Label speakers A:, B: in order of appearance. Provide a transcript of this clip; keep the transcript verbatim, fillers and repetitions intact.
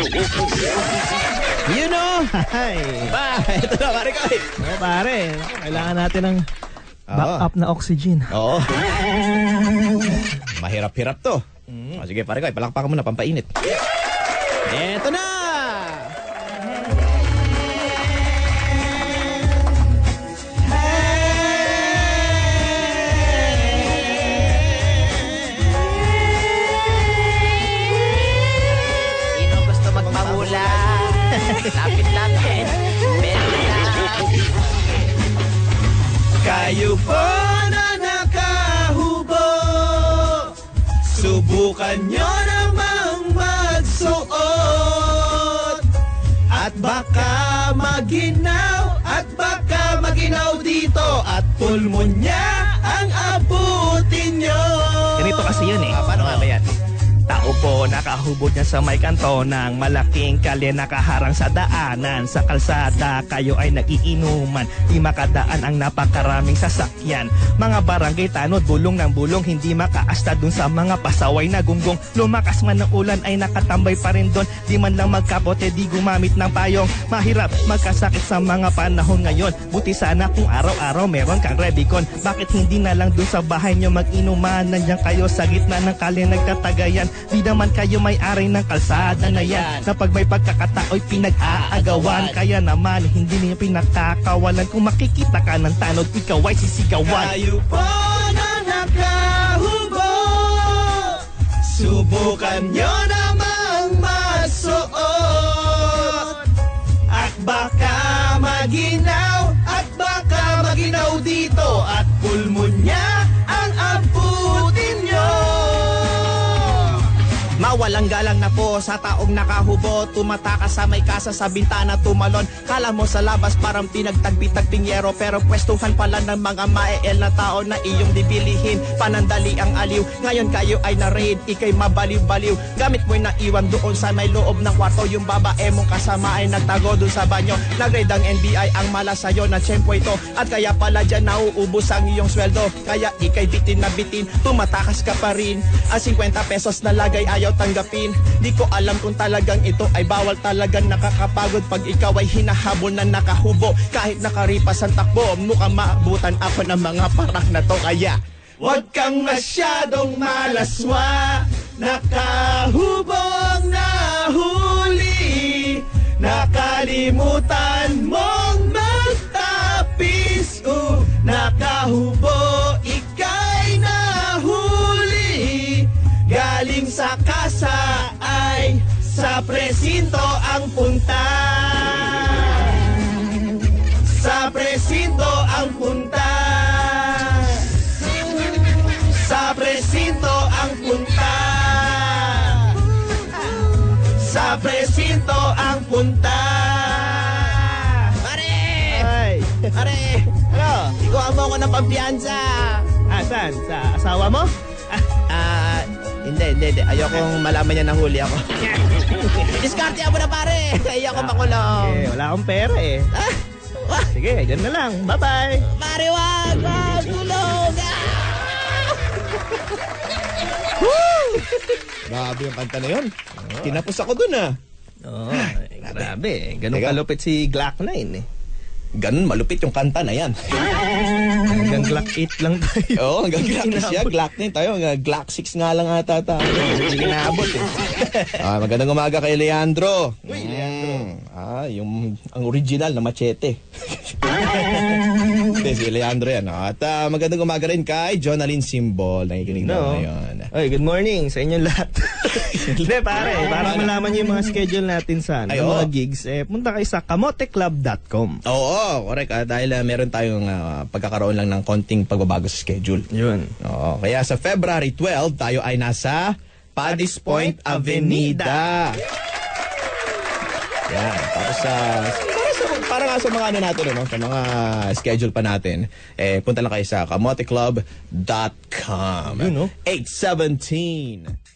A: You know?
B: Ay.
A: Ba, ito na, pare ko.
B: Oo, pare. Kailangan natin ng backup na oxygen.
A: Oo. Mahirap-hirap to. Mm. O, sige, pare ko, palakpakan mo na, pampainit. Ito na!
C: Sino gusto magpahula? Lapit-lapit. Meron na.
A: Kayo po na nakahubo, subukan nyo namang magsuot. At baka maginaw, at baka maginaw dito, at pulmonya ang abutin nyo.
B: Ganito kasi yun eh.
A: Ah, paano nga ba yan?
B: Tao po nakahubog niya sa may kanto ng malaking kalye nakaharang sa daanan. Sa kalsada kayo ay nagiinuman, di makadaan ang napakaraming sasakyan. Mga barangay tanod, bulong ng bulong, hindi makaasta dun sa mga pasaway na gunggong. Lumakas man ng ulan ay nakatambay pa rin dun, di man lang magkapote, di gumamit ng payong. Mahirap magkasakit sa mga panahon ngayon, buti sana kung araw-araw meron kang Rebicon. Bakit hindi na lang dun sa bahay nyo mag-inuman? Nandiyan kayo sa gitna ng kalye nagtatagayan. Di naman kayo may-ari ng kalsada na yan, na pag may pagkakatao'y pinag-aagawan. Kaya naman hindi niyo pinakakawalan, kung makikita ka ng tanod, ikaw ay sisigawan.
A: Kayo po na nakahubo, subukan nyo namang masuot. At baka maginaw, at baka maginaw dito, at pulmonya ang abutin nyo. Mawalang galang na po sa taong nakahubo, tumatakas sa may kasa sa bintana tumalon. Kala mo sa labas parang pinagtagpi-tagping yero, pero pwestuhan pala ng mga maeel na tao na iyong dibilihin. Panandali ang aliw, ngayon kayo ay na-raid, ikay mabaliw-baliw. Gamit mo'y naiwan doon sa may loob ng kwarto, yung babae mong kasama ay nagtago doon sa banyo. Nag-raid ang N B I, ang mala sa'yo na tiyempo ito, at kaya pala dyan nauubos ang iyong sweldo. Kaya ikay bitin na bitin, tumatakas ka pa rin. Ang fifty pesos na lagay ayaw tanggapin. Di ko alam kung talagang ito ay bawal, talagang nakakapagod pag ikaw ay hinahabol na nakahubo. Kahit nakaripas ang takbo, mukhang maabutan ako ng mga parak na to. Kaya huwag kang masyadong malaswa, nakahubong nahuli, nakalimutan mong magtapis. Uh, nakahubo, ika'y nahuli, galing sa kasa ay sa presinto ang punta. Sa presinto ang punta. Sa presinto ang punta. Sa presinto ang punta. Pare!
B: Ay.
A: Pare!
B: Ano?
A: Ikuha mo ako ng pampiyansa.
B: Ah, saan? Sa asawa mo?
A: Ah, hindi, hindi, hindi. Ayokong malaman niya na huli ako. Diskarte mo na, pare. Ayoko makulong.
B: Eh, wala akong pera eh.
A: Ah, wah,
B: Sige, dyan na lang. Bye-bye.
A: pare, wag, wag, tulong. Ah! Grabe yung kanta na yun. Tinapos ako dun, ah.
B: Oo, oh, grabe. Ganun
A: Teka.
B: kalupit si Glock nine eh.
A: Ganun, malupit yung kanta na yan.
B: Hanggang Glock eight lang tayo.
A: Oo, hanggang Glock siya. Glock nine tayo. Hanggang Glock six nga lang ata tayo.
B: Hindi kinabot eh.
A: Ah, magandang umaga kay Leandro.
B: Uy, Leandro.
A: Mm, ah, yung ang original na machete. Hindi, si Leandro yan. At ah, magandang umaga rin kay Jonalyn Simbol. Nakikinig
B: No.
A: na ngayon.
B: Oy, good morning sa inyong lahat. Hindi, pare. Para malaman niyo yung mga schedule natin sa ano,
A: Ay,
B: yung mga
A: oo.
B: gigs, eh, punta kayo sa kamote club dot com.
A: Oo, correct. Ah, dahil ah, meron tayong ah, pagkakaroon lang ng konting pagbabago sa schedule.
B: Yun.
A: Oo, kaya sa February twelve, tayo ay nasa Paddy's Point Avenida. Yan. Tapos sa... para, sa, para nga sa mga ano natin, ano, sa mga schedule pa natin, eh, punta lang kayo sa kamote club dot com.
B: Yun, no?
A: eight seventeen